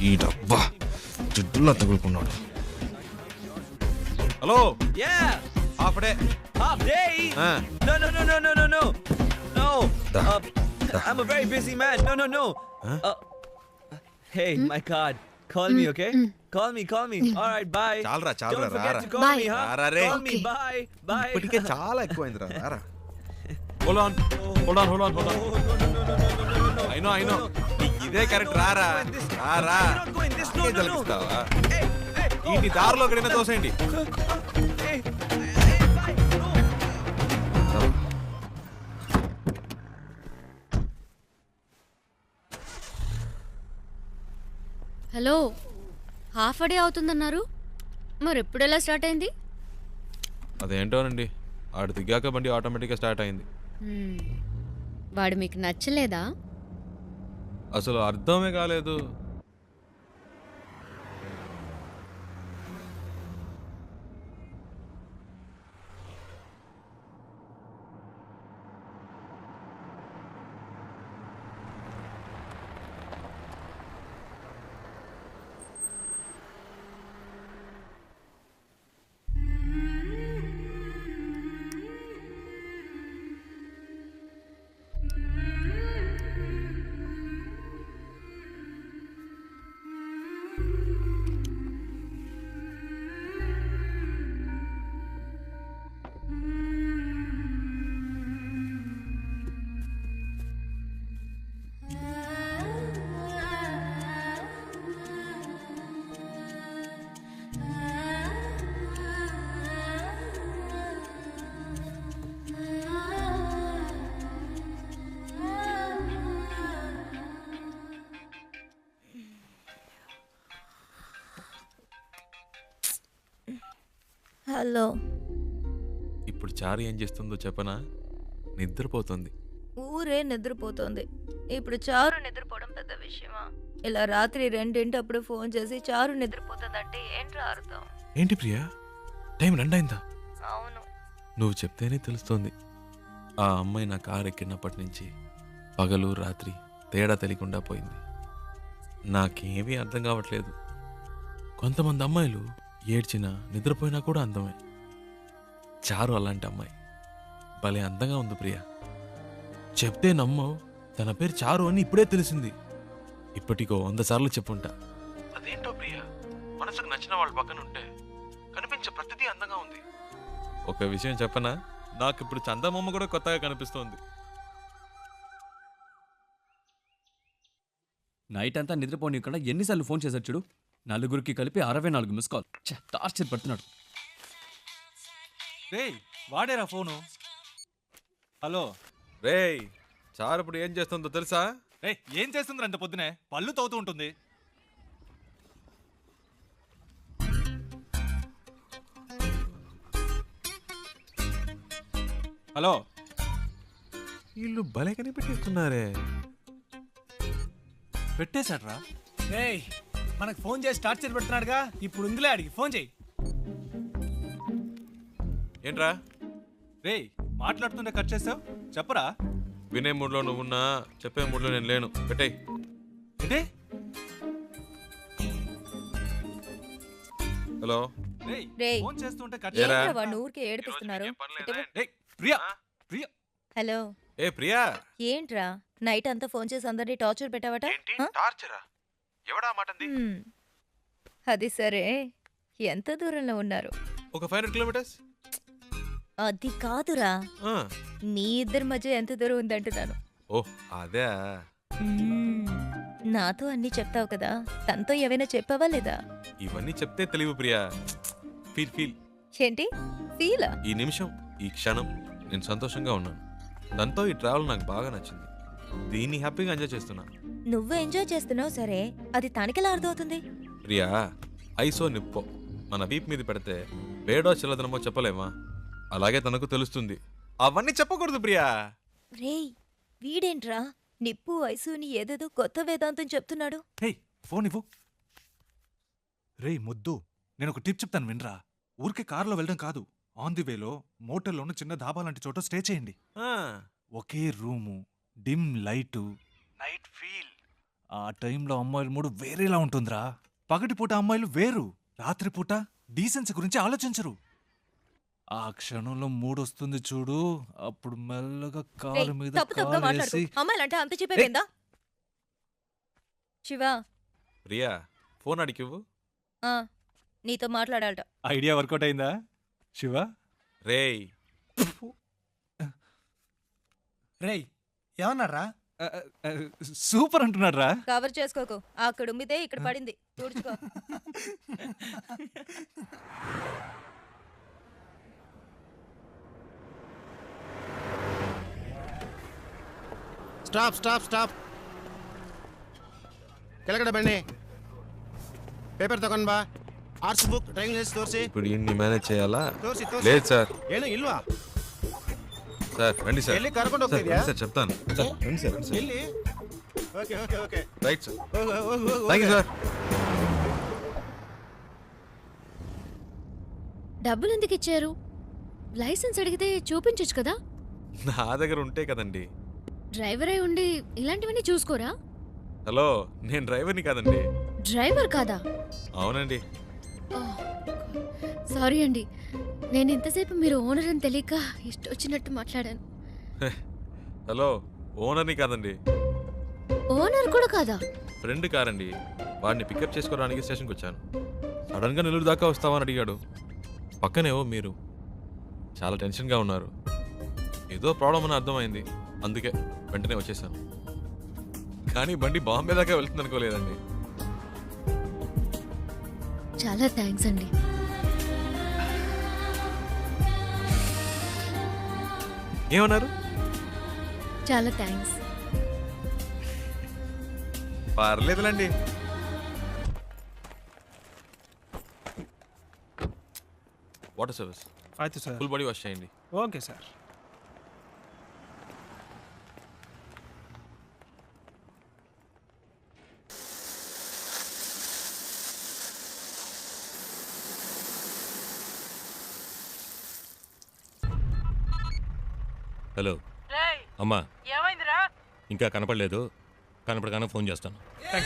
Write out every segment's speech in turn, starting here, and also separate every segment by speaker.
Speaker 1: ఈ డబ్బా జిడ్డులా తగులుకున్నాడు. Hello
Speaker 2: Yeah.
Speaker 1: Half day.
Speaker 2: Half day? No.
Speaker 1: Da.
Speaker 2: I'm a very busy man. No. Hey, my card. Call me, okay? Call me. All right, bye.
Speaker 1: చాలరా
Speaker 2: Don't forget
Speaker 1: రారా.
Speaker 2: to call me, huh?
Speaker 1: రారా రే.
Speaker 2: Call me, bye.
Speaker 1: ఇప్పటికే చాలా ఎక్కువైందిరా రారా. Hold on.
Speaker 2: No.
Speaker 1: I know. ఇదే correct రారా. రారా.
Speaker 2: You're not going this. No.
Speaker 1: తలపిస్తావా?
Speaker 2: Hey,
Speaker 1: ఈ దారిలో ఎక్కడైనా తోసేయండి.
Speaker 2: Hey, bye. No.
Speaker 3: Hello, half day అవుతుందన్నారు, మరి ఎప్పుడు ఎలా స్టార్ట్ అయింది?
Speaker 1: అదేంటోనండి, ఆడు దిగాక బండి ఆటోమేటిక్గా స్టార్ట్ అయింది.
Speaker 3: వాడు మీకు నచ్చలేదా?
Speaker 1: అసలు అర్థమే కాలేదు.
Speaker 4: హలో.
Speaker 1: ఇప్పుడు చారు ఏం చేస్తుందో చెప్పనా? నిద్రపోతుంది.
Speaker 4: ఊరే నిద్రపోతోంది. ఇప్పుడు చారు నిద్రపోవడం పెద్ద విషయమా? ఇలా రాత్రి 2 ఫోన్ చేసి చారు నిద్రపోతుందంటే ఏంట్రా అర్థం?
Speaker 1: ఏంటి ప్రియా, టైం 2 అయిందా?
Speaker 4: అవును.
Speaker 1: నువ్వు చెప్తేనే తెలుస్తోంది. ఆ అమ్మాయి నా కారు ఎక్కినప్పటి నుంచి పగలు రాత్రి తేడా తెలియకుండా పోయింది. నాకేమీ అర్థం కావట్లేదు. కొంతమంది అమ్మాయిలు ఏడ్చినా నిద్రపోయినా కూడా అందమే. చారు అలాంటి అమ్మాయి. భలే అందంగా ఉంది ప్రియా. చెప్తే నమ్మవు, తన పేరు చారు అని ఇప్పుడే తెలిసింది. ఇప్పటికో 100 సార్లు చెప్పుంటా. అదేంటో ప్రియా, మనసుకు నచ్చిన వాళ్ళ పక్కన ఉంటే కనిపించే ప్రతిదీ అందంగా ఉంది. ఒక విషయం చెప్పనా, నాకు ఇప్పుడు చందమామ కూడా కొత్తగా కనిపిస్తోంది.
Speaker 5: నైట్ అంతా నిద్రపోనీయకుండా ఎన్నిసార్లు ఫోన్ చేశాడు చూడు. నలుగురికి కలిపి 64 మిస్ కాల్. టార్చర్ పడుతున్నాడు.
Speaker 6: రేయ్, వాడేరా ఫోను. హలో
Speaker 1: రేయ్, చారు ఇప్పుడు ఏం చేస్తుందో తెలుసా?
Speaker 6: రే, ఏం చేస్తుందిరా అంత పొద్దునే? పళ్ళు తవ్వుతూ ఉంటుంది. హలో,
Speaker 1: వీళ్ళు భలే కనిపెట్టిస్తున్నారే.
Speaker 6: పెట్టేశాడ్రా.
Speaker 7: ఏయ్, మనకు ఫోన్ చేసి టార్చర్ పెడుతున్నాడుగా, ఇప్పుడు ఉందిలే అడిగి ఫోన్ చేయి.
Speaker 1: ఏంట్రా
Speaker 6: రేయ్, మాట్లాడుతుంటే కట్ చేసావు, చెప్పరా.
Speaker 1: వినే మూడ్లో నువ్వున్నా, చెప్పే మూడ్లో నేను లేను. పెట్టేయ్.
Speaker 6: ఏంటి?
Speaker 1: హలో
Speaker 4: రేయ్,
Speaker 6: ఫోన్ చేస్తుంటే కట్
Speaker 1: ఏరా?
Speaker 4: ఏంట్రా వాడిని ఊరికే ఏడిపిస్తున్నారు?
Speaker 6: రేయ్, ప్రియా ప్రియా
Speaker 4: హలో.
Speaker 1: ఏ ప్రియా,
Speaker 4: ఏంట్రా నైట్ అంతా ఫోన్ చేసి అందరినీ టార్చర్ పెట్టావట?
Speaker 1: టార్చరా? ఎవడా మాటంది?
Speaker 4: అది సరే, ఎంత దూరంలో ఉన్నారు?
Speaker 1: ఒక 500 కిలోమీటర్స్.
Speaker 4: అది కాదురా, మీ ఇద్దరి మధ్య ఎంత దూరం ఉందంటున్నాను.
Speaker 1: ఓ అదే.
Speaker 4: నాతో అన్ని చెప్తావు కదా, తనతో ఏవైనా చెప్పావా లేదా?
Speaker 1: ఇవన్నీ చెప్తే తెలివి ప్రియా. ఫీల్
Speaker 4: ఏంటి ఫీలా?
Speaker 1: ఈ నిమిషం, ఈ క్షణం నేను సంతోషంగా ఉన్నాను. దాంతో ఈ ట్రావెల్ నాకు బాగా నచ్చింది. దీన్ని హ్యాపీగా ఎంజాయ్ చేస్తున్నా.
Speaker 4: నువ్వు ఎంజాయ్ చేస్తున్నావు సరే, అది తనకెలా అర్థమవుతుంది?
Speaker 1: ప్రియా, ఐసో నిప్పో మన వీప్ మీద పెడితే వేడో చిల్లదనమో చెప్పలేమా? అలాగే తనకు తెలుస్తుంది. అవన్నీ చెప్పకూడదు ప్రియా.
Speaker 4: రేయ్, వీడేంట్రా నిప్పు ఐసుని ఏదేదో కొత్త వేదాంతం చెప్తున్నాడు.
Speaker 6: హే, ఫోన్ ఇవ్వు. రేయ్ ముద్దు, నేను ఒక టిప్ చెప్తాను వినరా. ఊరికే కారులో వెళ్ళడం కాదు, ఆన్ ది వేలో మోటల్లోనూ చిన్న ధాబా లాంటి చోట స్టే చేయండి. ఒకే room, dim light, night feel, ఆ టైంలో అమ్మాయిల మూడు వేరేలా ఉంటుందిరా. పగటిపూట అమ్మాయిలు వేరు, రాత్రిపూట డీసెన్సీ గురించి ఆలోచించరు. ఆ క్షణంలో మూడొస్తుంది చూడు, అప్పుడు మెల్లగా కాలు మీద
Speaker 4: తప్పు తప్పుగా మాట్లాడుకో.
Speaker 6: కాలేసి
Speaker 4: అమ్మాయిలంటే అంత చెప్పేపోయిందా? శివ,
Speaker 1: ప్రియా ఫోన్ అడిగివ్వు.
Speaker 4: ఆ, నీతో మాట్లాడాలట.
Speaker 6: ఐడియా వర్కౌట్ అయిందా శివ?
Speaker 1: రేయ్
Speaker 7: రేయ్ ఏమన్నారా?
Speaker 6: సూపర్ అంటున్నాడు రా.
Speaker 4: కవర్ చేసుకోకు. అక్కడ ఉమ్మితే ఇక్కడ పడింది. తుడుచుకో.
Speaker 8: ಸ್ಟಾಪ್ ಸ್ಟಾಪ್ ಸ್ಟಾಪ್ ಕೆಳಗಡೆ ಬನ್ನಿ. ಪೇಪರ್ ತಗೊಂಡ್ ಬಾ. ಆರ್ಟ್ಸ್ ಬುಕ್, ಡ್ರೈವಿಂಗ್ ಲೈಸೆನ್ಸ್ ತೋರಿಸಿ.
Speaker 1: ఇప్పుడు ఇన్ని మేనేజ్ చేయాలా?
Speaker 8: ತೋರಿಸಿ ತೋರಿಸಿ.
Speaker 1: లేదు సార్.
Speaker 8: ಏನು ಇಲ್ವಾ?
Speaker 1: సార్ రండి సార్.
Speaker 8: ಎಲ್ಲಿ ಕರ್ಕೊಂಡು
Speaker 1: సార్,
Speaker 8: ಹೋಗ್ತಿದ್ಯಾ?
Speaker 1: రండి సార్ చెప్తాను. సార్ రండి సార్, రండి సార్.
Speaker 8: ಎಲ್ಲಿ? Okay okay okay.
Speaker 1: Right sir.
Speaker 8: ಹೋಗು ಹೋಗು ಹೋಗು.
Speaker 1: Thank you sir.
Speaker 3: డబ్బులు ఎందుకు ఇచ్చారు? లైసెన్స్ అడిగితే చూపించొచ్చు కదా.
Speaker 1: నా దగ్గర ఉంటే కదండి.
Speaker 3: డ్రైవర్ అయి ఉండి ఇలాంటివన్నీ చూసుకోరా?
Speaker 1: హలో, నేను డ్రైవర్ని కాదండి.
Speaker 3: డ్రైవర్ కాదా?
Speaker 1: అవునండి.
Speaker 3: సారీ అండి, నేను ఇంతసేపు మీరు ఓనర్ అని తెలియక ఇష్టం వచ్చినట్టు మాట్లాడాను.
Speaker 1: హలో, ఓనర్ని కాదండి.
Speaker 3: ఓనర్ కూడా కాదా?
Speaker 1: ఫ్రెండ్ కారండి. వాడిని పికప్ చేసుకోవడానికి స్టేషన్కి వచ్చాను. సడన్గా నెల్లూరు దాకా వస్తావని అడిగాడు. పక్కనేవో మీరు చాలా టెన్షన్గా ఉన్నారు. ఏదో ప్రాబ్లం అని అర్థమైంది, అందుకే వెంటనే వచ్చేసాను. కానీ బండి బాంబే దాకా వెళ్తుంది అనుకోలేదండి.
Speaker 3: చాలా థ్యాంక్స్ అండి.
Speaker 1: ఏమన్నారు?
Speaker 3: చాలా థ్యాంక్స్.
Speaker 1: పర్లేదులండి. వాటర్ సర్వీస్
Speaker 7: అయితే సార్.
Speaker 1: ఫుల్ బాడీ వాష్ చేయండి.
Speaker 7: Okay sir.
Speaker 9: హలో
Speaker 10: రేయ్,
Speaker 9: అమ్మా,
Speaker 10: ఏమైందిరా?
Speaker 9: ఇంకా కనపడలేదు. కనపడగానే ఫోన్ చేస్తాను.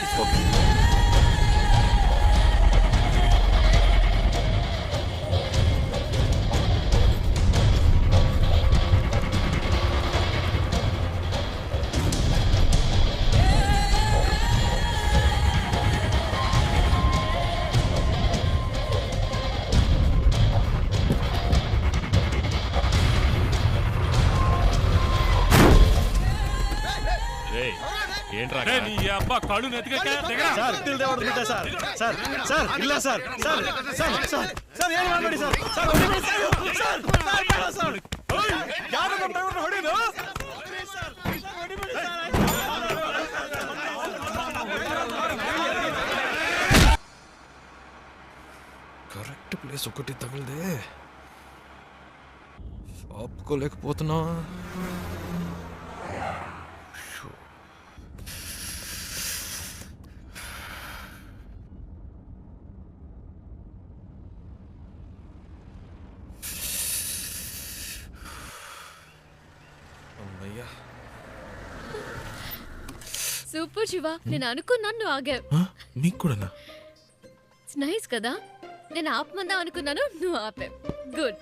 Speaker 9: రేయ్, ఏంట్రా నీ అబ్బా కళ్ళు నెత్తికెక్కా?
Speaker 8: ಸರ್ ತಿಳಿದೆ ಹೊಡೆದ್ಬಿಟ್ಟೆ ಸರ್. ಸರ್ ಸರ್ ಇಲ್ಲ sir. Sir sir sir sir ಏನು ಮಾಡಬೇಡಿ ಸರ್. ಸರ್ ಹೊಡಿಬೇಡಿ ಸರ್. ಸರ್ ಸರ್ ಬೇಡ ಸರ್. ಯಾರು ನಮ್ಮ ಡ್ರೈವರ್ನ ಹೊಡಿದು? ಸರ್ ಹೊಡಿಬೇಡಿ ಸರ್.
Speaker 1: కరెక్ట్ ప్లేస్ ఒకటి తగిలిదే, ఆపుకోలేకపోతున్నా. అమ్మయ్యా.
Speaker 3: సూపర్ శివ, నేను అనుకున్నాను నువ్వు ఆగావు.
Speaker 1: మీకు కూడానా?
Speaker 3: నైస్ కదా. నేను ఆపమందాం అనుకున్నాను, నువ్వు ఆపావు. గుడ్.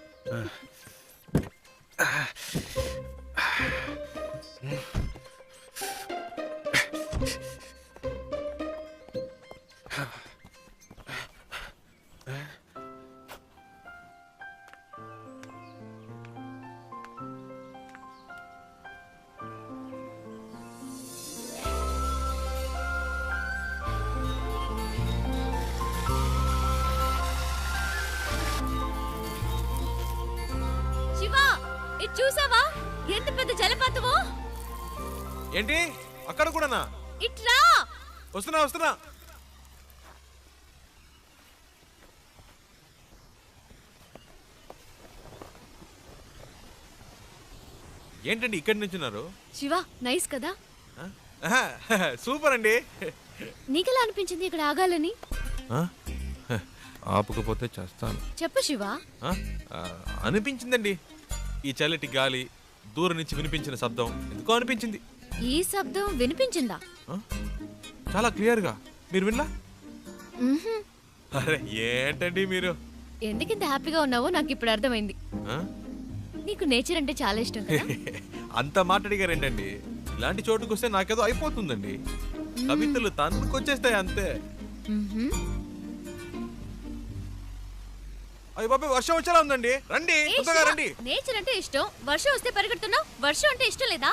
Speaker 3: శివ, ఇది చూసావా? ఎంత పెద్ద జలపాతమో.
Speaker 1: ఏంటి అక్కడ కూడానా?
Speaker 3: ఇట్లా
Speaker 1: వస్తున్నా వస్తున్నా. ఏంటండి ఇక్కడి నుంచున్నారు?
Speaker 3: శివ, నైస్ కదా.
Speaker 1: సూపర్ అండి.
Speaker 3: నీకెలా అనిపించింది ఇక్కడ ఆగాలని?
Speaker 1: ఆపకపోతే చేస్తాను.
Speaker 3: చెప్పు శివ.
Speaker 1: అనిపించిందండి. ఈ చల్లటి గాలి, దూరం నుంచి వినిపించిన శబ్దం ఎందుకో అనిపించింది.
Speaker 3: ఈ శబ్దం వినిపించిందా?
Speaker 1: చాలా క్లియర్గా. మీరు వినలా?
Speaker 3: మ్మ్హ్మ్.
Speaker 1: అరే ఏంటండి మీరు?
Speaker 3: ఎందుకింత హ్యాపీగా ఉన్నావో నాకు ఇప్పుడు అర్థమైంది.
Speaker 1: ఆ?
Speaker 3: నీకు నేచర్ అంటే చాలా ఇష్టం కదా?
Speaker 1: అంత మాట్లాడిగారేంటండి? ఇలాంటి చోటుకు వస్తే నాకేదో అయిపోతుందండి. కవితలు తన్నుకొచ్చేస్తాయి అంతే.
Speaker 3: మ్మ్హ్మ్.
Speaker 1: అయ్య బాబాయ్, వర్షం వచ్చేలా ఉందండి. రండి,
Speaker 3: ఏ
Speaker 1: తొందరగా
Speaker 3: శివ,
Speaker 1: రండి.
Speaker 3: నేచర్ అంటే ఇష్టం, వర్షం వస్తే పరిగెడుతున్నావు. వర్షం అంటే ఇష్టం లేదా?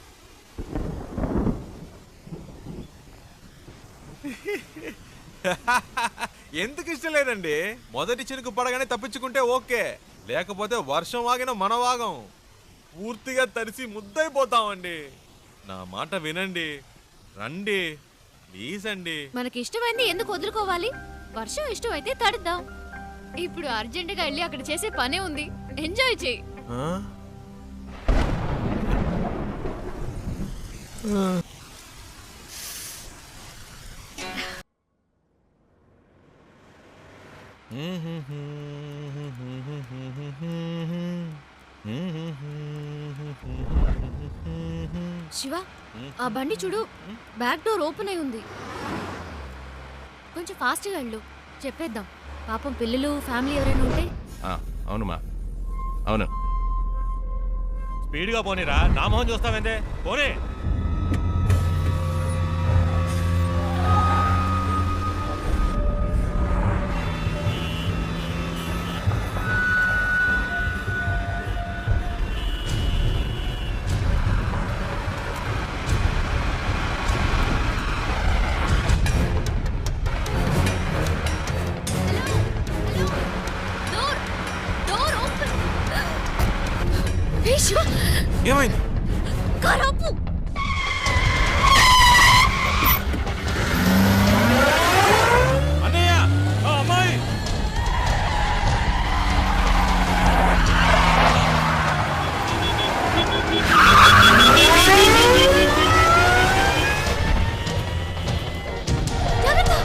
Speaker 1: ఎందుకు ఇష్టం లేదండి? మొదటి చినుకు పడగానే తప్పించుకుంటే ఓకే, లేకపోతే వర్షం ఆగిన మన వాగం పూర్తిగా తడిసి ముద్దైపోతామండి. నా మాట వినండి, రండి ప్లీజ్ అండి.
Speaker 3: మనకి ఇష్టమైంది ఎందుకు వదులుకోవాలి? వర్షం ఇష్టం అయితే తడుద్దాం. ఇప్పుడు అర్జెంటుగా వెళ్ళి అక్కడ చేసే పనే ఉంది. ఎంజాయ్ చేయి.
Speaker 1: ఆ?
Speaker 3: శివ, ఆ బండి చూడు, బ్యాక్ డోర్ ఓపెన్ అయి ఉంది. కొంచెం ఫాస్ట్గా వెళ్ళు, చెప్పేద్దాం. పాపం పిల్లలు ఫ్యామిలీ ఎవరైనా ఉంటే.
Speaker 9: అవునుమా, అవును. స్పీడ్గా పోనీరా, నా మొహం చూస్తావేందే, పోనీ.
Speaker 3: Door door open. ఏ శివ,
Speaker 1: ఏమైంది?
Speaker 3: కారు ఆపు.
Speaker 9: అన్నయ్య, ఆ అమ్మాయి.
Speaker 3: జాగ్రత్త.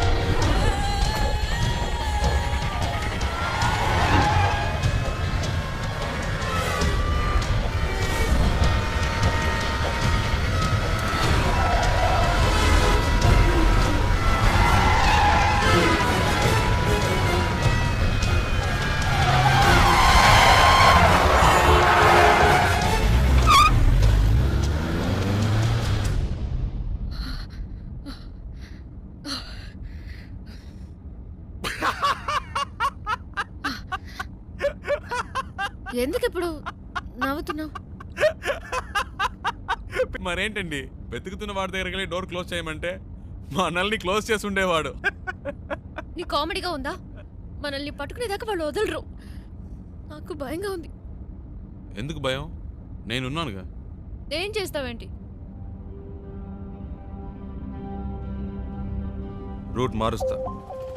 Speaker 3: ఎందుకు ఇప్పుడు నవ్వుతున్నావు?
Speaker 1: మరేంటండి, వెతుకుతున్న వాడి దగ్గరికి వెళ్ళి డోర్ క్లోజ్ చేయమంటే మనల్ని క్లోజ్ చేసి ఉండేవాడు.
Speaker 3: నీ కామెడీగా ఉందా? మనల్ని పట్టుకునేదాకా వాళ్ళు వదలరు. నాకు భయంగా ఉంది.
Speaker 1: ఎందుకు భయం? నేనున్నానుగా.
Speaker 3: ఏం చేస్తావేంటి?
Speaker 1: రూట్ మారుస్తా.